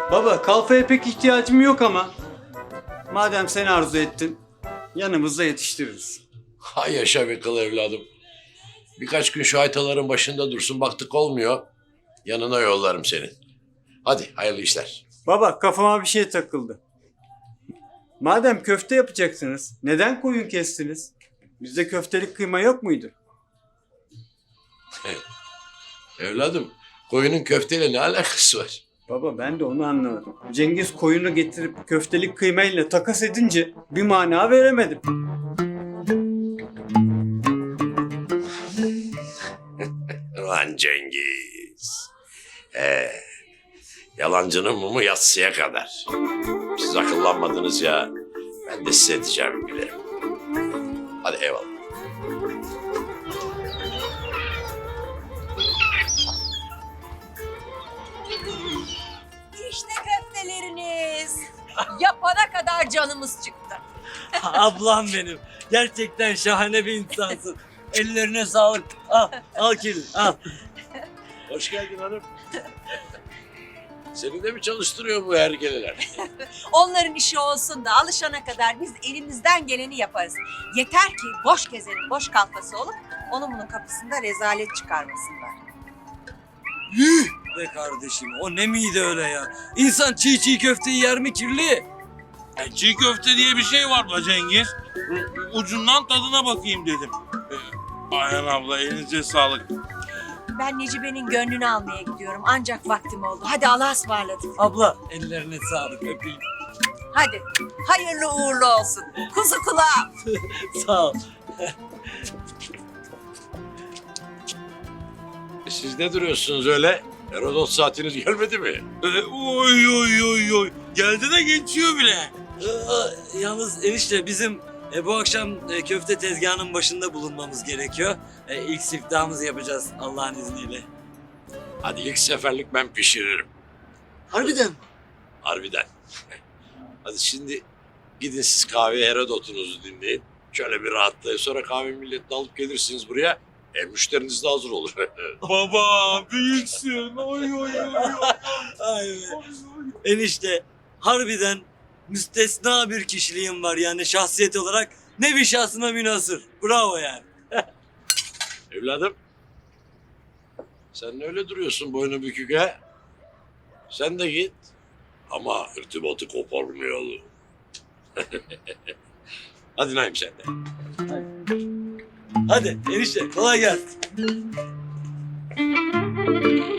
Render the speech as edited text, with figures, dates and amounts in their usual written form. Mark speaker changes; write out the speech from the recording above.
Speaker 1: Baba kalfaya pek ihtiyacım yok ama madem sen arzu ettin yanımızda yetiştiririz.
Speaker 2: Hay yaşa be kıl evladım. Birkaç gün şu haytaların başında dursun, baktık olmuyor. Yanına yollarım seni. Hadi hayırlı işler.
Speaker 1: Baba kafama bir şey takıldı. Madem köfte yapacaksınız neden koyun kestiniz? Bizde köftelik kıyma yok muydu?
Speaker 2: Evladım, koyunun köfteyle ne alakası var?
Speaker 1: Baba ben de onu anlamadım. Cengiz koyunu getirip köftelik kıymayla takas edince bir mana veremedim.
Speaker 2: Lan Cengiz. Yalancının mumu yatsıya kadar. Siz akıllanmadınız ya. Ben de size edeceğimi bilirim. Hadi eyvallah.
Speaker 3: İşte köfteleriniz. Yapana kadar canımız çıktı.
Speaker 4: Ablam benim. Gerçekten şahane bir insansın. Ellerine sağlık. Al kiri, al.
Speaker 2: Hoş geldin hanım. Seni de mi çalıştırıyor bu hergeleler?
Speaker 3: Onların işi olsun da alışana kadar biz elimizden geleni yaparız. Yeter ki boş gezenin boş kalfası olup onun bunun kapısında rezalet çıkarmasınlar.
Speaker 4: Yuh be kardeşim, o ne miydi öyle ya? İnsan çiğ çiğ köfteyi yer mi kirli?
Speaker 5: Çiğ köfte diye bir şey var be Cengiz. Ucundan tadına bakayım dedim. Ayhan abla elinize sağlık.
Speaker 3: Ben Necibe'nin gönlünü almaya gidiyorum ancak vaktim oldu. Hadi Allah'a ısmarladık.
Speaker 4: Abla ellerine sağlık, öpeyim.
Speaker 3: Hadi hayırlı uğurlu olsun. Kuzu kulağım.
Speaker 4: Sağ ol.
Speaker 2: Siz ne duruyorsunuz öyle? Herodot saatiniz gelmedi mi?
Speaker 5: Oy oy oy oy. Geldi de geçiyor bile.
Speaker 4: Yalnız enişte bizim bu akşam köfte tezgahının başında bulunmamız gerekiyor. İlk siftahımızı yapacağız Allah'ın izniyle.
Speaker 2: Hadi ilk seferlik ben pişiririm.
Speaker 4: Harbiden mi?
Speaker 2: Harbiden. Hadi şimdi gidin siz kahveye Herodot'unuzu dinleyin. Şöyle bir rahatlayın. Sonra kahve milletini alıp gelirsiniz buraya. Müşteriniz de hazır olur.
Speaker 5: Baba büyüksün. Oy oy oy.
Speaker 4: Ay be. Enişte harbiden müstesna bir kişiliğim var yani şahsiyet olarak. Ne bir şahsına münhasır. Bravo yani.
Speaker 2: Evladım. Sen öyle duruyorsun boynu bükük ha? Sen de git. Ama irtibatı koparmayalım. Hadi Naim sen de.
Speaker 4: Hadi enişte kolay gelsin.